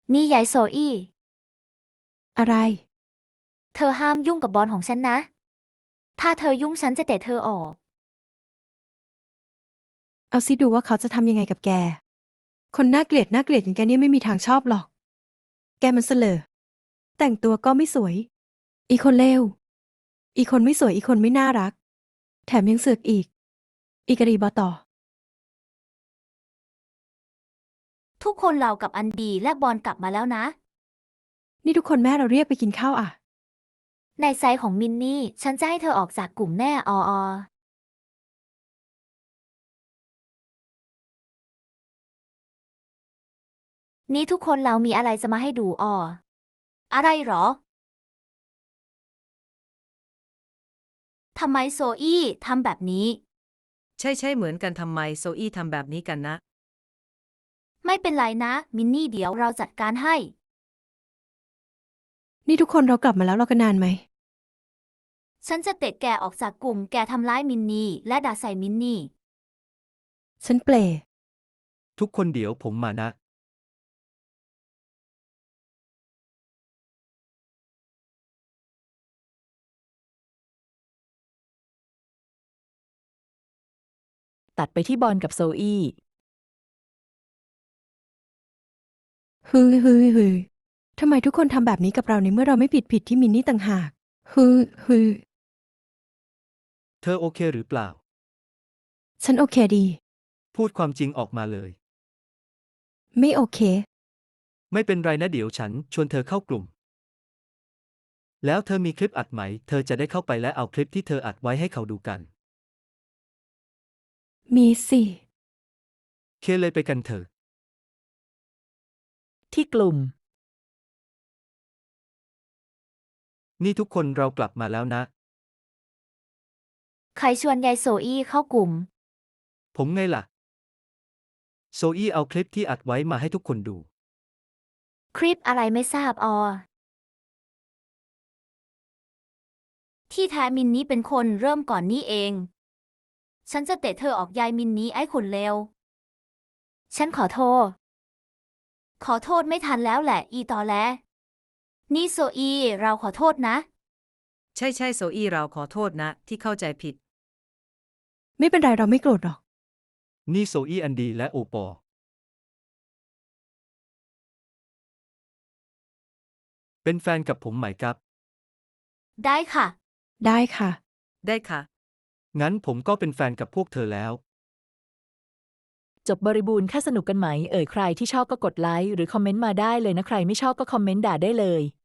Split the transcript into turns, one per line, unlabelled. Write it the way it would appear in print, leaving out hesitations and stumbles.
นี่ยายโซอี้
อะไร
เธอห้ามยุ่งกับบอลของฉันนะ ถ้าเธอยุ่งฉันจะเตะเธอออก
เอาซิดูว่าเขาจะทำยังไงกับแก คนน่าเกลียดอย่างแกเนี่ยไม่มีทางชอบหรอก แกมันเสลอแต่งตัวก็ไม่สวย อีคนเลวอีคนไม่สวยอีคนไม่น่ารัก แถมยังเสือกอีกะรีบอต่อ
ทุกคนเรากับอันดีและบอลกลับมาแล้วนะ
นี่ทุกคนแม่เราเรียกไปกินข้าวอ่ะ
ในไซส์ของมินนี่ ฉันจะให้เธอออกจากกลุ่มแน่นี่ทุกคนเรามีอะไรจะมาให้ดูอะไรหรอ ทำไมโซอี้ทำแบบนี้
ใช่เหมือนกันทำไมโซอี้ทำแบบนี้กันนะ
ไม่เป็นไรนะ มินนี่เดี๋ยวเราจัดการให้
นี่ทุกคนเรากลับมาแล้วรอกันนานไหม
ฉันจะเตะแกออกจากกลุ่มแกทำร้ายมินนี่และด่าใส่มินนี่
ฉันเปล
ทุกคนเดี๋ยวผมมานะ
ตัดไปที่บอลกับโซอี้
ฮือทำไมทุกคนทำแบบนี้กับเราในเมื่อเราไม่ผิดที่มินนี่ต่างหากฮือ
เธอโอเคหรือเปล่า
ฉันโอเคดี
พูดความจริงออกมาเลย
ไม่โอเค
ไม่เป็นไรนะเดี๋ยวฉันชวนเธอเข้ากลุ่ม แล้วเธอมีคลิปอัดไหม เธอจะได้เข้าไปและเอาคลิปที่เธออัดไว้ให้เขาดูกัน
มีสิ
เคเลยไปกันเถอะ
ที่กลุ่ม
นี่ทุกคนเรากลับมาแล้วนะ
ใครชวนยายโซอี้เข้ากลุ่ม
ผมไงล่ะ โซอี้เอาคลิปที่อัดไว้มาให้ทุกคนดู
คลิปอะไรไม่ทราบที่แท้มินนี้เป็นคนเริ่มก่อนนี่เอง ฉันจะเตะเธอออกยายมินนี้ไอ้คนเลว ฉันขอโทษ ขอโทษไม่ทันแล้วแหละอีตอแล นี่โซอีเราขอโทษนะ
ใช่โซอี้เราขอโทษนะ ที่เข้าใจผิด
ไม่เป็นไรเราไม่โกรธหรอก
นี่โซอี้อันดีและโอปอ เป็นแฟนกับผมไหมครับ
ได้ค่ะ
ได้ค่ะ
ได้ค่ะ
งั้นผมก็เป็นแฟนกับพวกเธอแล้ว
จบบริบูรณ์แค่สนุกกันไหม ใครที่ชอบก็กดไลค์หรือคอมเมนต์มาได้เลยนะ ใครไม่ชอบก็คอมเมนต์ด่าได้เลย